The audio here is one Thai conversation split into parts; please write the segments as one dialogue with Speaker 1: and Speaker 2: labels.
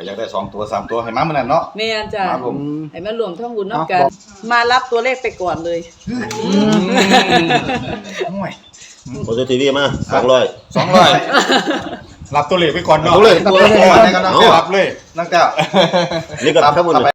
Speaker 1: อยากได้2ตัว3ตัวให้มามื้อนั้นเนาะ
Speaker 2: แม่นจ้ะ
Speaker 1: ครับผม
Speaker 2: ให้มารวมทั้งบุญนำกันมารับตัวเลขไปก่อนเลย
Speaker 1: ห่วย
Speaker 3: โอทีวีมา200
Speaker 1: รับตัวเลขไปก่อนเนาะ
Speaker 3: ตัวเลข
Speaker 1: ให้กำลังรับเลยนั่งแก้ว
Speaker 3: นี่ก็ครับผม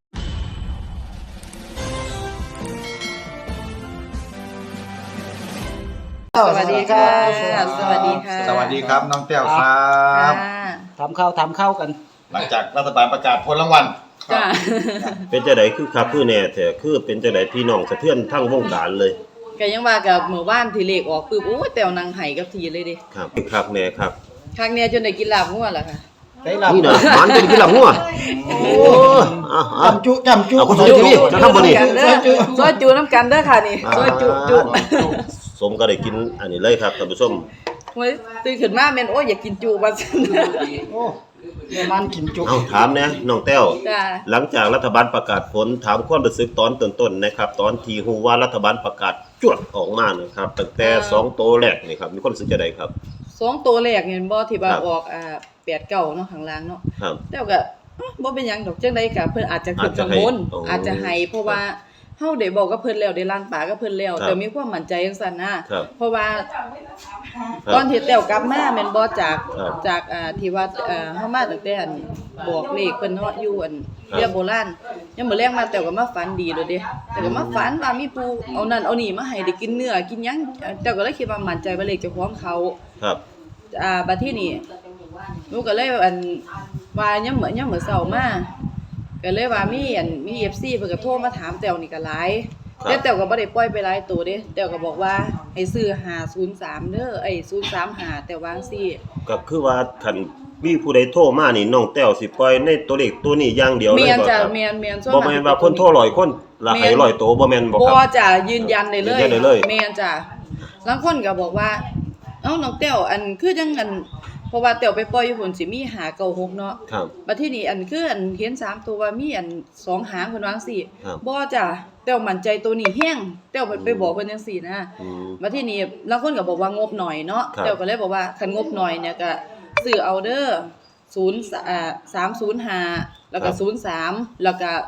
Speaker 2: สวัสดีค่ะสวัสดีค่ะ
Speaker 1: สวัสดีครับน้องแก้วครับ
Speaker 4: ทำข้าวกัน
Speaker 1: หลังจากรัฐบาลประกาศผลรางวัล
Speaker 2: จ้า
Speaker 3: เป็นจังได๋คือคักคือแน่แท้คือเป็นจังได๋พี่น้องสะเทือนทั้งวงการเลย
Speaker 2: ก็ยังว่ากับมื้อวานที่เลขออกปึ๊บโอ้ยแต้วนางไห้กับทีเลยเด้
Speaker 3: ครับคักแน่ครับ
Speaker 2: ครั้งเนี้ยจนได้กินลาบงัวล่ะค่ะ
Speaker 4: ได้ลาบ
Speaker 3: นี่น่ะมันเป็นกินลาบงัวโอ้
Speaker 4: จำจุ
Speaker 3: เอาคนทีวีจะทำบ่นี่
Speaker 2: ซอยจูน้ำกันเด้อค่ะนี่ซอยจุ
Speaker 3: สมก็ได้กินอันนี้เลยครับท่านผู้ชม
Speaker 2: โอ้ยตื่นขึ้นมาแม่นโอ้ยอยากกินจุว่าซั่น
Speaker 4: โอ้มันกินจุ
Speaker 3: เอาถามแน่น้องแต้ว
Speaker 2: จ้า
Speaker 3: หลังจากรัฐบาลประกาศผลถามความรู้สึกตอนต้นๆนะครับตอนที่ฮู้ว่ารัฐบาลประกาศจวดออกมานะครับตั้งแต่2ตัวแรกนี่ครับมีความรู้สึกจังได๋ครับ
Speaker 2: 2ตัวแรกเห็นบ่ที่ว่าออก8 9เนาะข้างล่างเนาะแล้วก็บ่เป็นหยังดอกจังได๋ก็เพิ่นอาจจะขึ้นข้างบนอาจจะให้เพราะว่าเฮาได้บอกกับเพิ่นแล้วได้ล้างปากกับเพิ่นแล้วแต่มีความมั่นใจจังซั่นนะเพราะว่าตอนที่แต้วกลับมาแม่นบ่จากที่ว่าเฮามาตั้งแต่อันบอกเลขเพิ่นเนาะอยู่อันเรียกโบราณยังมื้อแลงมาแต้วก็มาฝันดีโดดเด้แต่ก็มาฝันว่ามีผู้เอานั่นเอานี่มาให้ได้กินเนื้อกินหยังแต้วก็เลยคิดว่ามั่นใจว่าเลขเจ้าของเขา
Speaker 3: ครับ
Speaker 2: บัดทีนี้หนูก็เลยอันว่ายังมื้อเช้ามาก็เลยว่ามี FC เพิ่นก็โทรมาถามแต้วนี่ก็หลายแต่แต้วก็บ่ได้ปล่อยไปหลายตัวเด้แต้วก็บอกว่าให้ซื้อ503เด้อ035แต่วาจั่งซี้
Speaker 3: ก็คือว่าคันมีผู้ใดโทรมานี่น้องแต้วสิปล่อยในตัวเลขตัวนี้อย่างเดียวเลยบ่ครับ
Speaker 2: แม่นจ้ะแม่นๆ
Speaker 3: บ่แม่นว่าคนโทร100คนละให้100ตัวบ่แม่นบ่ครับ
Speaker 2: บ่จ้ะยืนยันได้เลยแม่นจ้ะบางคนก็บอกว่าเอ้าน้องแต้วอันคือจังอันเพราะว่าแต้วไปปล่อยอยู่พุ่นสิมี596เนาะ
Speaker 3: ครับ
Speaker 2: บัดทีนี้อันคืออันเห็น3ตัวว่ามีอัน2หางเพิ่นว่าจังซี่บ่จ้ะแต้วมั่นใจตัวนี้แฮงแต้วไปบอกเพิ่นจังซี่นะบัดทีนี้บางคนก็บอกว่างบหน่อยเนาะแต้วก็เลยบอกว่าคันงบหน่อยเนี่ยก็ซื้อเอาเด้อ305แล้วก็03แล้วก็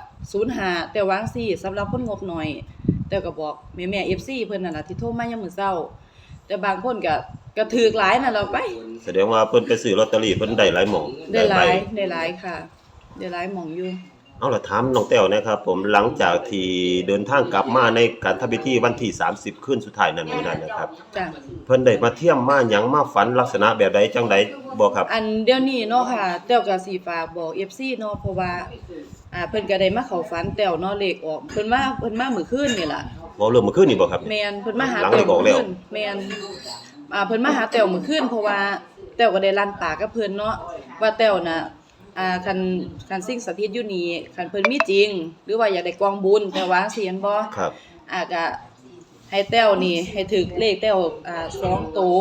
Speaker 2: 05แต่วาจั่งซี่สำหรับคนงบหน่อยแต้วก็บอกแม่ FC เพิ่นนั่นน่ะที่โทรมายามมื้อเช้าแต่บางคนก็ถูกหลายนั่นล่ะไป
Speaker 3: แสดงว่าเพิ่นไปซื้อลอตเตอรี่เพิ่นได้หลายหม่อง
Speaker 2: ได้หลายค่ะได้หลายหม่องอยู่
Speaker 3: เอาล่ะถามน้องแต้วนะครับผมหลังจากที่เดินทางกลับมาในการทำพิธีวันที่30คืนสุดท้ายนั้นมื้อนั้นนะครับ
Speaker 2: จ้ะ
Speaker 3: เพิ่นได้มาเที่ยมมาหยังมาฝันลักษณะแบบใดจังได๋บ่ครับ
Speaker 2: อันเดี๋ยวนี้เนาะค่ะแต้วก็สิฝากบอก FC เนาะเพราะว่าเพิ่นก็ได้มาเข้าฝันแต้วเนาะเลขออกเพิ่นมามื้อคืนนี่ล่ะ
Speaker 3: บ่เริ่มมื้อคืนนี่บ่ครับ
Speaker 2: แม่นเพิ่นมาหาแต้วมื้อคืนแม่นเพิ่นมาหาแต้วมื้อคืนเพราะว่าแต้วก็ได้ลั่นปากกับเพิ่นเนาะว่าแต้วน่ะคันสิ่งสถิตอยู่นี่คันเพิ่นมีจริงหรือว่าอยากได้กองบุญแต่ว่าสิเห็นบ่
Speaker 3: ครับ
Speaker 2: ก็ให้แต้วนี่ให้ถึกเลขแต้ว2ตัว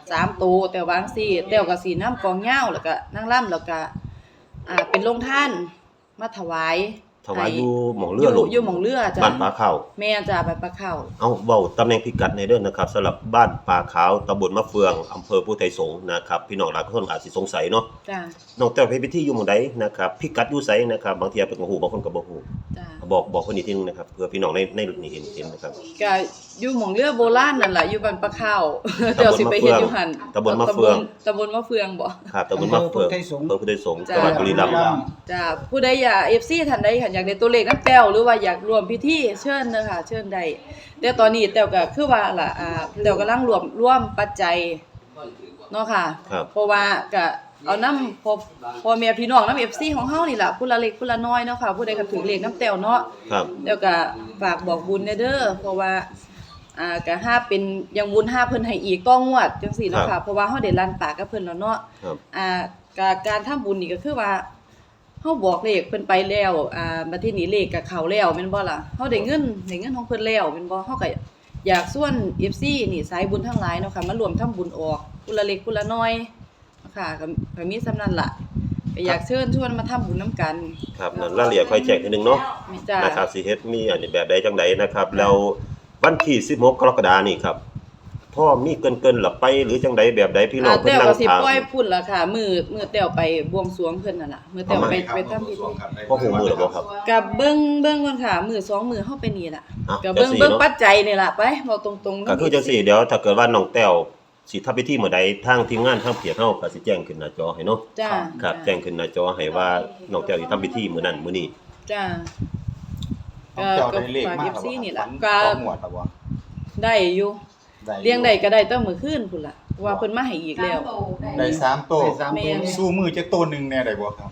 Speaker 2: 3ตัวแต่ว่าจังซี่แต้วก็สินำกองยาวแล้วก็นางร่ำแล้วก็เป็นโรงทานมาถวาย
Speaker 3: อยู่หม่องเรือ
Speaker 2: อยู่หม่องเรือจ้ะ
Speaker 3: บ้านปลาขาว
Speaker 2: แม่จ้ะบ้านปลาขาว
Speaker 3: เอาเว้าตำแหน่งพิกัดในเด้อนะครับสำหรับบ้านปลาขาวตำบลมะเฟืองอำเภอพุทธไทยสงฆ์นะครับพี่น้องหลายคนอาจสิสงสัยเนาะ
Speaker 2: จ้ะ
Speaker 3: น้องแต้วไปพิธีอยู่หม้องใดนะครับพิกัดอยู่ไสนะครับบางเที่ยเพิ่นก็ฮู้บางคนก็บ่ฮู้
Speaker 2: จ้ะ
Speaker 3: บอกเพิ่นอีกทีนึงนะครับเพื่อพี่น้องในนี่เห็นนะครับ
Speaker 2: ก็อยู่หม่องเรือโบราณนั่นล่ะอยู่บ้านปลาขาวเจ้าสิไปเฮ็ดอยู่หั่น
Speaker 3: ตำบลมะเฟือง
Speaker 2: บ่
Speaker 3: ครับตำบลมะเฟืองอำเภอพุทธไทยสงฆ์จังหวัดบุรีรัมย์
Speaker 2: จ้ะผู้ใดอยาก FC ท่านใดอยากได้ตัวเลขนำแต้วหรือว่าอยากร่วมพิธีเชิญเด้อค่ะเชิญได้แต่ตอนนี้แต้วก็คือว่าล่ะแต้วกำลังรวมปัจจัยเนาะค่ะเพราะว่าก็เอานำพ่อแม่พี่น้องนำ FC ของเฮานี่ล่ะผู้ละเล็กผู้ละน้อยเนาะค่ะผู้ใดก็ถือเลขนำแต้วเนาะแล้วก็ฝากบอกบุญเด้อเพราะว่าก็หาเป็นยังบุญหาเพิ่นให้อีกต้องวดจังซี่เนาะค่ะเพราะว่าเฮาได้ลั่นปากกับเพิ่นแล้วเนาะการทำบุญนี่ก็คือว่าเฮาบอกเลขเพิ่นไปแล้วบัดทีนี้เลขก็เข้าแล้วแม่นบ่ล่ะเฮาได้เงินของเพิ่นแล้วแม่นบ่เฮาก็อยากชวน FC นี่สายบุญทั้งหลายเนาะค่ะมารวมทำบุญออกผู้ละเล็กผู้ละน้อยเนาะค่ะก็มีส่ำนั้นล่ะก็อยากเชิญชวนมาทำบุญนำกัน
Speaker 3: ครับนั่นรายละเอียดค่อยแจ้งทีนึงเนาะนะครับสิเฮ็ดมีอันนี้แบบใดจังได๋นะครับแล้ววันที่16กรกฎาคมนี้ครับโทพ่อมีเกินๆหรือไปหรือจังใดแบบใดพี่น้องเพิ่น
Speaker 2: แต้ว
Speaker 3: นั่ง
Speaker 2: ก็สิ
Speaker 3: ถาม
Speaker 2: ปล่อยพุ่นล่ะค่ะมือแต้วไปบวงสรวงเพิ่นนั่นล่ะมือแต้วไปทำพิธี
Speaker 3: พ่อหูมือหรือบ่ครับ
Speaker 2: กับเบิ่งก่อนค่ะมือ2มือเฮาไปนี่ล่ะ
Speaker 3: อ่ะ
Speaker 2: กับเบิ่ง
Speaker 3: จังสิ
Speaker 2: เบิ่ง
Speaker 3: เนาะ
Speaker 2: ปัจจัยนี่ล่ะไปเว้าตรงๆ
Speaker 3: ก็คือจังซี่เดี๋ยวถ้าเกิดว่าน้องแต้วสิทำพิธีมื้อใดทางทีมงานทางเพียรเฮาก็สิแจ้งขึ้นหน้าจอให้เนาะ
Speaker 2: จ้า
Speaker 3: ครับแจ้งขึ้นหน้าจอให้ว่าน้องแต้วสิทำพิธีมื้อนั้นมื้อนี้
Speaker 2: จ้า
Speaker 1: น้องแต้วได้เลข
Speaker 2: ฝาก
Speaker 1: มาก
Speaker 2: FC นี่ล่ะ
Speaker 1: ก็
Speaker 2: ก็
Speaker 1: หมวดแล้วบ่
Speaker 2: ได้อยู่
Speaker 1: ได้
Speaker 2: เลี้ยงได้ก็ได้ตั้งมื้อคืนพุ่นล่ะว่าเพิ่นมาให้อีกแล้ว
Speaker 1: ได้3โตว
Speaker 4: ได้สาม
Speaker 2: แม่
Speaker 4: ตัว
Speaker 1: สู้มือจักตัวหนึงแน่ได้บ่ครับ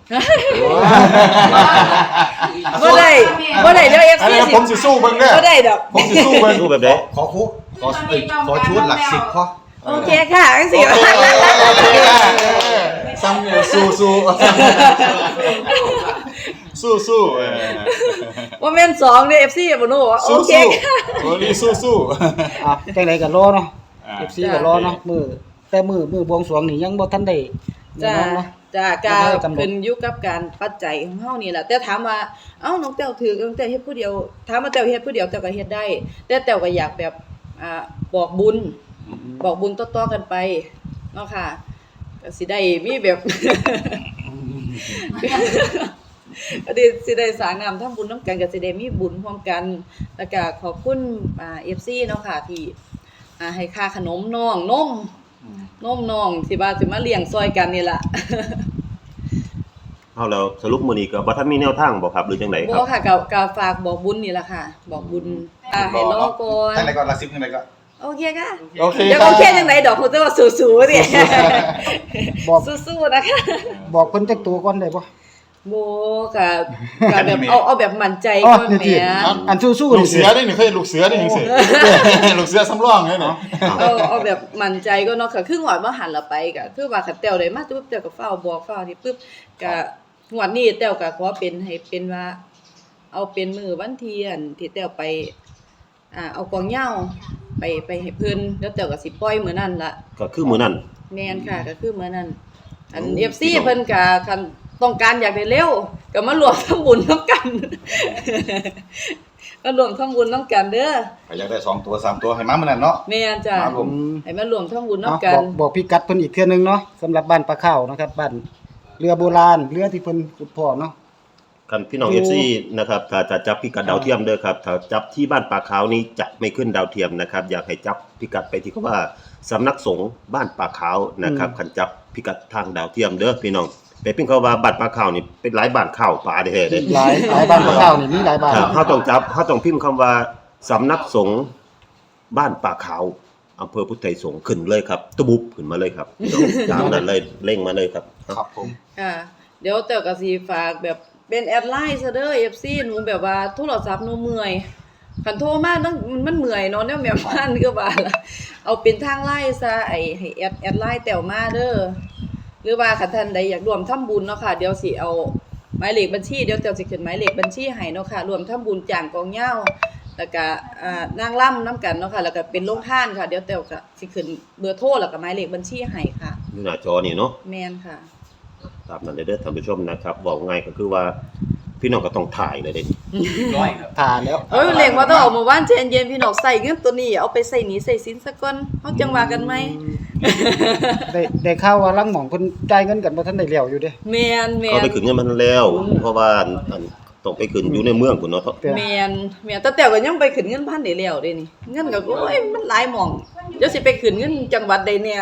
Speaker 2: บ่ได้เดี๋ยว
Speaker 1: อัน
Speaker 2: FC
Speaker 1: นี้
Speaker 2: สิ
Speaker 1: ผมสิสู้เบิ่งเด้อ
Speaker 2: บ่ได้ดอก
Speaker 1: ผมสิสู้เบิ่ง
Speaker 3: รูปแบบใด
Speaker 1: ขอชุดหลัก10พอ
Speaker 2: โอเคค่ะจังซี่
Speaker 1: โอเคซ้ำเนี่ยสู้
Speaker 2: ว่าแม่น2เด้อ FC บ่รู้ว่าโอเคค่ะ
Speaker 1: โอ้นี่สู้
Speaker 4: อ่ะจังไดก็รอเนาะ
Speaker 1: ๆ
Speaker 4: FC ก็รอเนาะแต่มือบวงสรวงนี่ยังบ่ทันได้
Speaker 2: จ้า
Speaker 4: แน่นอนเนาะ
Speaker 2: จ้า
Speaker 4: แล้ว
Speaker 2: การ
Speaker 4: ก็กำหนด
Speaker 2: ขึ้นอยู่กับการปัจจัยของเฮานี่แหละแต่ถามว่าเอ้าน้องแต้วถือน้องแต้วเฮ็ดผู้เดียวถามว่าแต้วเฮ็ดผู้เดียวแต้วก็เฮ็ดได้ แต่แต้วก็อยากแบบบอกบุญต่อๆกันไปเนาะค่ะก็สิได้มีแบบ ก็สิได้สร้างงามทำบุญนํกันก็สิได้มีบุญร่วมกันแล้วก็ขอบคุณFC เนาะค่ะที่ให้ค่าขนมน้องนมน้องสิว่าสิมาเลี้ยงซอยกันนี่ล่ะ
Speaker 3: เอาแล้วสรุปมื้อนี้ก็บ่ทันมีแนวทางบ่ครับหรือจังไดค
Speaker 2: บ่
Speaker 3: รับ
Speaker 2: ค่ะก็ฝากบอกบุญนี่ล่ะค่ะ บอกบุญให้รอก่อน
Speaker 1: ทั้งไหนก่อนละ10ทั้งไหนก่อน
Speaker 2: โอเคค่ะ
Speaker 1: โอเค
Speaker 2: เดี๋ยว
Speaker 1: ครับ
Speaker 2: โอเคจังไดดอกคุณจะว่าสู้ๆนี่
Speaker 4: บอก
Speaker 2: สู้ๆนะคะ
Speaker 4: บอกเพิ่นจักตัวก่อนได้บ่
Speaker 2: บ่ค่ะก็แบบเอาแบบมั่นใจ
Speaker 4: อ๋อ
Speaker 2: ก่อน
Speaker 4: นี่
Speaker 2: แหม
Speaker 4: ที่อันสู้ๆ
Speaker 1: ลู
Speaker 4: นี่
Speaker 1: กเสือนี่เคยลูกเสือนี่จังซี่ลูกเสือสำรองนี่เนาะ
Speaker 2: เอาแบบมั่นใจก็เนาะค่ะคือหวดว่าหันละไปก็คือว่าคันแต้วได้มาปุ๊บแต้วก็ฟ้าวบอกฟ้าวนี่ปุ๊บก็หวดนี้แต้วก็ขอเป็นให้เป็นว่า เอาเป็นมื้อวันที่อันที่แต้วไปเอากองเหย้าไปให้เพิ่นแล้วแต้วก็สิปล่อยมื้อนั้นล่ะ
Speaker 3: ก็คือมื้อนั้น
Speaker 2: แม่นค่ะก็คือมื้อนั้นอัน
Speaker 3: โอ้
Speaker 2: FC เพิ่นก็คันต้องการอยากได้เร็วก็มารวมทำบุญนํกัน มารวมทำบุญนํกันเด้อ
Speaker 1: ก็อยากได้2ตัว3ตัวให้มามื้อนั้นเนาะ
Speaker 2: แม่นจ้ะ
Speaker 1: ครับผม
Speaker 2: ให้มารวมทำบุญนํ
Speaker 4: เนาะ
Speaker 2: กัน
Speaker 4: บอกพิกัดเพิ่นอีกเทื่อนึงเนาะสำหรับบ้านปลาข้าวนะครับบ้านเรือโบราณเรือที่เพิ่นขุดพอเนาะ
Speaker 3: คันพี่น้อง
Speaker 4: อยู่
Speaker 3: FC นะครับถ้าจะจับพิกัดดาวเทียมเด้อครับถ้าจับที่บ้านป่าขาวนี้จะไม่ขึ้นดาวเทียมนะครับอยากให้จับพิกัดไปที่คำว่าสำนักสงฆ์บ้านป่าขาวนะครับคันจับพิกัดทางดาวเทียมเด้อพี่น้องไปพิมพ์คำว่าบ้านป่าขาวนี่เป็นหลายบ้านข้าวป่าเด้อเด้
Speaker 4: หลายบ้านปลาข้าวนี่มีหลายบ้าน
Speaker 3: ครับเฮาต้องพิมพ์คำว่าสำนักสงฆ์บ้านป่าขาวอำเภอพุทธไทยสงฆ์ขึ้นเลยครับตะบุบขึ้นมาเลยครับพี่น้องตามนั้นเลยเร่งมาเลยครับ
Speaker 1: ครับผม
Speaker 2: ค่ะเดี๋ยวแต้วก็สิฝากแบบเป็นแอดไลน์ซะเด้อ FC หนูแบบว่าโทรศัพท์หนูเมื่อยคันโทรมามันเมื่อยเนาะแนวแม่บ้านก็ว่าล่ะเอาเป็นทางไลน์ซะให้แอดไลน์แต้วมาเด้อหรือว่าคันท่านใดอยากร่วมทำบุญเนาะค่ะเดี๋ยวสิเอาหมายเลขบัญชีเดี๋ยวแต้วสิขึ้นหมายเลขบัญชีให้เนาะค่ะร่วมทำบุญจ้างกองเหย้าแล้วก็นางร่ำนํกันเนาะค่ะแล้วก็เป็นโรงทานค่ะเดี๋ยวแต้วก็สิขึ้นเบอร์โทรแล้วก็หมายเลขบัญชีให้ค่ะ
Speaker 3: อยู่หน้าจอนี่เนาะ
Speaker 2: แม่นค่ะ
Speaker 3: ตามนั้นเลยเด้อท่านผู้ชมนะครับบอกง่ายก็คือว่าพี่น้องก็ต้องถ่ายเลยเด้
Speaker 4: ถ่าแล้ว
Speaker 2: เอ้ยเล็งว่าต้องออกมาว่านเย็นๆพี่น้องใส่เงินตัวนี้เอาไปใส่หนีใส่สินซะก่อนเฮาจังว่ากันไหม
Speaker 4: ได้ข่าวว่าลังหม่องเพิ่นจ่ายเงินกันบ่ทันได้แล้วอยู่เด้
Speaker 2: แม่น
Speaker 3: เขาไปขึ้นเงินมันแล้ว เพราะว่าอันต้องไปขึ้นอยู่ในเมืองพุ่นเนาะ
Speaker 2: แม่นแต่ก็ยังไปขึ้นเงินพันได้แล้วเด้นี่เงินก็โอ้ยมันหลายหม่องเดี๋ยวสิไปขึ้นเงินจังหวัดใดเนี่ย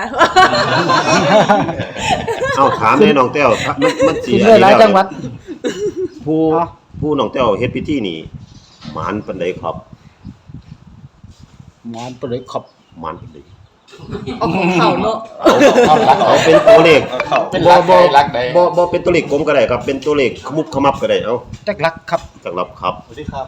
Speaker 3: เอาถามแน่น้องแต้วมันสิ
Speaker 4: กินได้หลายจังหวัด
Speaker 3: ผู้
Speaker 4: เนาะ
Speaker 3: ผู้น้องแต้วเฮ็ดพิธีนี่หมานปานใดครับ
Speaker 4: หมอนไปเลยขอบ
Speaker 3: หมานปานใด
Speaker 2: เอาของเขาเนาะ
Speaker 3: เอาเป็นตัวเลข
Speaker 1: เป็นรักใดรักใด
Speaker 3: บ่เป็นตัวเลขกลมก็ได้ครับ เป็นตัวเลขขมุบขมับก็ได้เอา
Speaker 4: จักรักครับ
Speaker 3: จังรับครับ
Speaker 1: สวัสดีครับ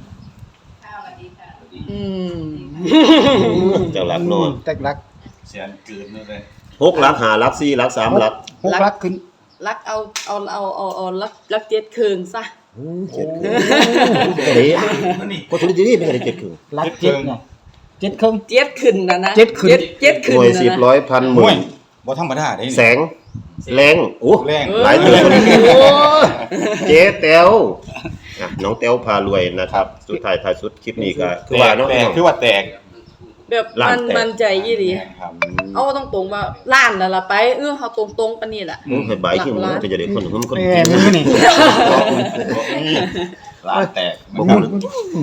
Speaker 2: อืม
Speaker 3: จังรับเนาะ
Speaker 4: จักรัก
Speaker 1: เสียงกลืนเลย
Speaker 3: 6หลัก5หลัก4หลัก3หลัก
Speaker 4: 6รักขึ้น
Speaker 2: รักเอารักเจ็ดคืนซะ
Speaker 3: 7ครึ่งเด้ก็ทุกทีนี่เป็นอะไร7ครึ่ง
Speaker 4: รักเจ็ดเนี่ยเจ็ดครึ่ง
Speaker 2: เจ็ดคืนนะ
Speaker 4: เจ็ดคืน
Speaker 2: เจ็ดคื
Speaker 3: ห
Speaker 2: น
Speaker 3: น่วย
Speaker 2: นะ
Speaker 3: 10ร้อยพันห
Speaker 1: ม
Speaker 3: มื่
Speaker 1: วย
Speaker 3: น
Speaker 1: บ่ธรรมดาได้
Speaker 3: แสงแรงโอ้
Speaker 1: แรง
Speaker 3: หลายเดือน
Speaker 2: โอ้
Speaker 3: เจ๊แต้วน้องแต้วพารวยนะครับ สุดท้ายท้ายสุดคลิปนี้ก็คือว่าเนาะ
Speaker 1: แตกคือว่าแตก
Speaker 2: แบบ
Speaker 3: ล้านแตก
Speaker 2: มันใจยี่ดี
Speaker 1: ครับ
Speaker 2: เอาตรงๆว่าล้านนั่นล่ะไปเฮาตรงๆปานนี้ล่ะ
Speaker 3: มึงให้ใบที่มึงก็จะได้คนมึงคน
Speaker 4: แม่มือนี่
Speaker 1: นี่ร้านแตก
Speaker 3: บ่
Speaker 1: นะค
Speaker 3: พู
Speaker 1: รับ
Speaker 3: ด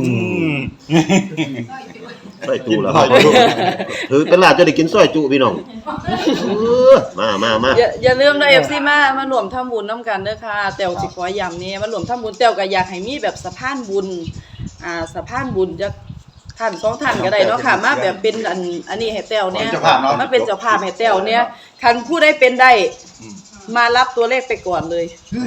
Speaker 3: ซอยจุแล้วถือเป็นลาบจะได้กินซอยจุพี่น้องมา
Speaker 2: อย่าลืมนะ FC มารวมทำบุญนํกันเด้อค่ะแต้วสิขอย้ำนี่มารวมทำบุญแต้วก็อยากให้มีแบบสะพานบุญสะพานบุญจักท่าน2ท่านก็ได้เนาะค่ะมาแบบเป็นอันนี้ให้แต้วเนี่ยมาเป็นเจ้าภาพให้แต้วเนี่ยคันผู้ใดเป็นได้มารับตัวเลขไปก่อนเลย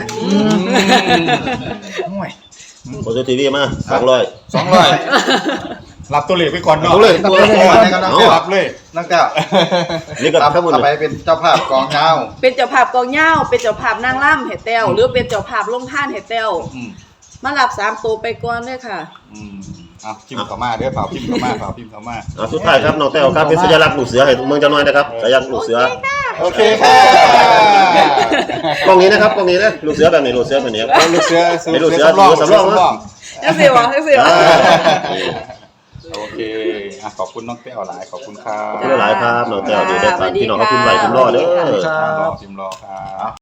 Speaker 1: ห่วย
Speaker 3: โอทีวีมา200
Speaker 1: 200รับตัวเลขไปก่อนเนาะ
Speaker 3: เอาเลย
Speaker 1: รับตัวเลขไปก่อนนะครับน้องแก้วรับเลยน้องแก้ว
Speaker 3: นี่ก็
Speaker 1: รับ
Speaker 3: ทั้งหมด
Speaker 1: ต่อไปเป็นเจ้าภาพกองยาว
Speaker 2: เป็นเจ้าภาพกองเหย้าเป็นเจ้าภาพนางร่ำให้แต้วหรือเป็นเจ้าภาพลงท่านให้แต้ว
Speaker 1: อืม
Speaker 2: มารับ3ตัวไปก่อนเด้อค่ะ
Speaker 1: เอาพิมพ์เข้ามาเด้อฝากพิมพ์เข้ามา
Speaker 3: สุดท้ายครับน้องแต้วครับเป็นสัญลักษณ์ลูกเสือให้เมืองจังหวัดนะครับสัญลักษณ์ลูกเสือ
Speaker 1: โอเคค่ะ
Speaker 3: กล้องนี้นะครับกล้องนี้นะลูกเสือแบบนี้ลูกเสือแบบนี้ครับ
Speaker 1: ลูกเสือ
Speaker 3: เป็นลูกเสือ
Speaker 1: สำรอง
Speaker 3: สำรอง
Speaker 1: สำรอง
Speaker 2: จังซี่บ่จังซี่บ่
Speaker 1: โอเคขอบคุณน้องแก้วหลายขอบคุณครับ
Speaker 3: ขอบคุณหลายครับน้องแต้วเดี๋ยวได้ฝากพี่น้องเขาพิมพ์ไว้พิมพ์รอเด้อ
Speaker 1: พิมพ์รอครับ